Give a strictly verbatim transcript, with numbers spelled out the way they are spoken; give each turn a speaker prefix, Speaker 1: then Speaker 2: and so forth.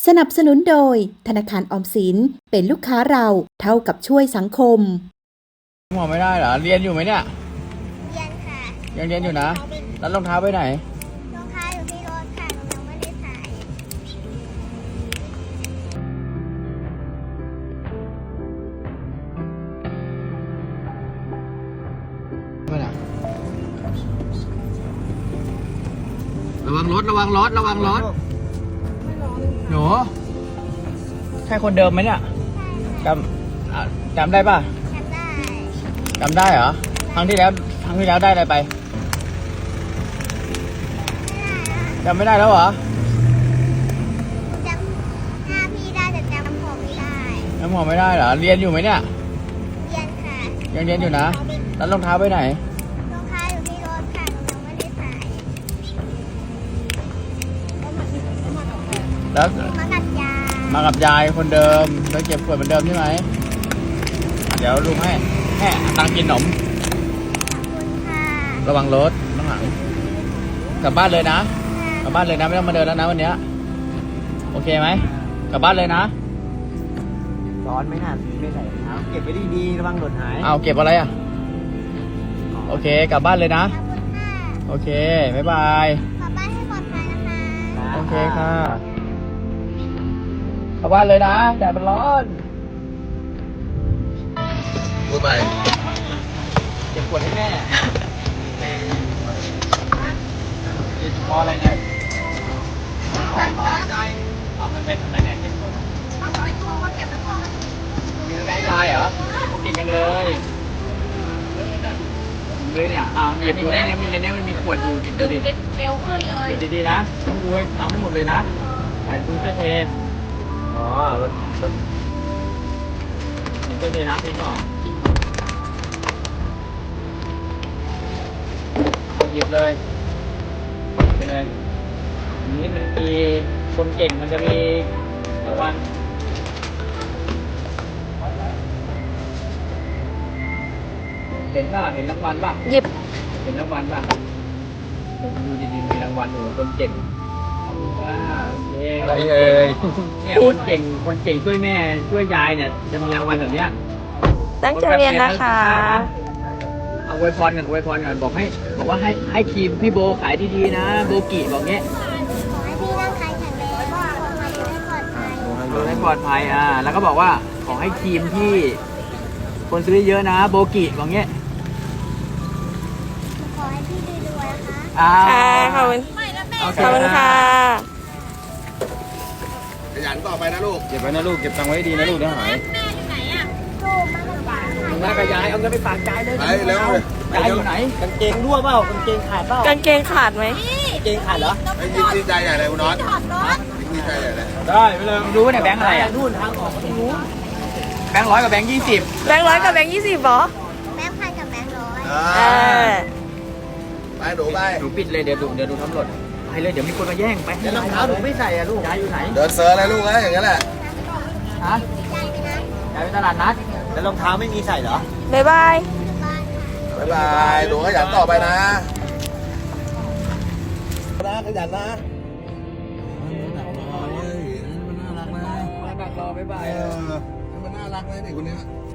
Speaker 1: สนับสนุนโดยธนาคารออมสินเป็นลูกค้าเราเท่ากับช่วยสังคม
Speaker 2: หมอไม่ได้เหรอเรียนอยู่ไหมเนี่ย
Speaker 3: เรียนค่ะ
Speaker 2: ยังเรียนอยู่นะแล้วรองเท้าไปไหน
Speaker 3: รองเท้าอยู่ที่รถค่ะหนูยังไม่ได้ใส่
Speaker 2: ไปไหนระวังรถระวังรถระวังรถหนูใช่คนเดิมไหมเนี่ยจำอ่ะจำได้ป่ะ
Speaker 3: จำได้
Speaker 2: จำได้เหรอครั้งที่แล้วครั้งที่แล้วได้อะไรไปจำไม่ได้แล้วเหรอ
Speaker 3: จำหน้าพี่ได้แต่จำผมไม่ได้
Speaker 2: จำหมอไม่ได้เหรอเรียนอยู่ไหมเนี่ย
Speaker 3: เรียนค่ะ
Speaker 2: ยังเรียนอยู่นะแล้วรองเท้าไปไหน
Speaker 3: รองเท้าอยู่ที่รถค่ะหนูยังไม่ได้ใส่
Speaker 2: แล้ว
Speaker 3: มากับยาย
Speaker 2: มากับยายคนเดิมแล้วเก็บขวดเหมือนเดิมใช่ไหมเดี๋ยวลุงให้แค่ตังกินขนม
Speaker 3: ขอบคุณค่ะ
Speaker 2: ระวังรถข้างหลังกลับบ้านเลยนะกลับบ้านเลยนะไม่ต้องมาเดินแล้วนะวันนี้โอเคไหมกลับบ้านเลยนะ
Speaker 4: ร้อนไหมน่ะไม่ใส่รองเท้าเก็บไว้ดีๆระวังหล่นหาย
Speaker 2: เอาเก็บอะไรอ่ะโอเคกลับบ้านเลยนะ
Speaker 3: ขอบคุณค่ะ
Speaker 2: โอเคบ๊ายบาย
Speaker 3: กลับบ้านให้ปลอดภัยนะคะ
Speaker 2: โอเคค่ะกลับบ้านเลยนะแดดมันร้อนพูดไปเก็บขวดให้แม่พออะไรเนี่ยเอามันเป็นอะไรเนี่ยเก็บขวดมีอะไรได้เหรอกินกันเลยเลยเนี่ยอ่าหยิบดูในนี้ในนี้มันมีขวดอยู่ดูดิเร็วขึ้นเลยดีๆนะต้องดูทำให้หมดเลยนะใส่ตู้เสื้อเทนอ๋อรถรถตู้เทน้ำทิ้งก่อนหยิบเลยไปเลยนี่มันมีคนเก่งมันจะมีรางวัลเห็นป่ะเห็นรางวัลป่ะ
Speaker 1: หยิบ
Speaker 2: เห็นรางวัลป่ะดูดีๆมีรางวัลอยู่คนเก่งว้าวโอเคอะไรเอ่ยเนี่ยคนเก่งคนเก่งช่วยแม่ช่วยยายเนี่ยจะมีรางวัลแบบเนี้ย
Speaker 1: ตั้งใจเรียนนะคะ
Speaker 2: เอาอวยพรกันอวยพรกันบอกให้บอกว่าให้ให้ทีมพี่โบขายดีๆนะโบกิบอกเงี้ย
Speaker 3: ขอให้พี่ร่างกายแข็งแรงขอให้ดูให้ปลอดภัย
Speaker 2: ดูให้ปลอดภัยอ่าแล้วก็บอกว่าขอให้ทีมที่คนซื้อเยอะนะโบกิบอกเงี้ย
Speaker 3: ขอให้พี่รวยๆนะคะ
Speaker 2: อ่า
Speaker 1: ขอบคุณขอบคุณค่ะ
Speaker 5: ขยันต่อไปนะลูก
Speaker 2: เก็บไว้นะลูกเก็บตังค์ไว้ดีนะลูกเดี๋ยวหายแม่กับยายเอาเงินไปฝากยายเลย
Speaker 5: ไปเร็วเลย
Speaker 2: ยายอยู่ไหน
Speaker 4: กางเกงรั่วเปล่ากางเกงขาดเปล่าก
Speaker 1: างเกงขาดไหม
Speaker 4: กางเกงขาดเหรอ
Speaker 5: ไอ้ยินดีใจใหญ่เลยคุณน็อตยินดีใจใหญ่เลย
Speaker 2: ได้ไปเลยรู้ว่าเนี่ยแบงค์อะไรอ่ะ
Speaker 4: นู่นทางออกตรงนู้น
Speaker 2: แบงค์ร้อยกับแบงค์ยี่สิบ
Speaker 1: แบงค์ร้อยกับแบงค์ยี่สิบเหรอ
Speaker 3: แบงค์พันกับแบงค์ร้อย
Speaker 1: เออ
Speaker 5: ไปดูไป
Speaker 2: หนูปิดเลยเดี๋ยวดูเดี๋ยวดูทำหล่นไปเลยเดี๋ยวมีคนมาแย่งไป
Speaker 4: เดี๋ยวรองเท้าหนูไม่ใส่อะลูก
Speaker 2: ยายอยู่ไหน
Speaker 5: เดินเซอร์อะไรลูกนะอย่างนั้นแหละ
Speaker 2: ฮะยายไปตลาดนัด
Speaker 4: แล้วรองเท้าไม่มีใส่เหรอ
Speaker 1: บ๊ายบาย
Speaker 5: บ๊ายบายดูขยันต่อไปนะนะขยันนะมันน่ารักนะ
Speaker 2: มาดักรอบ๊ายบาย
Speaker 5: เออมันน่ารักนะเด็กคนนี้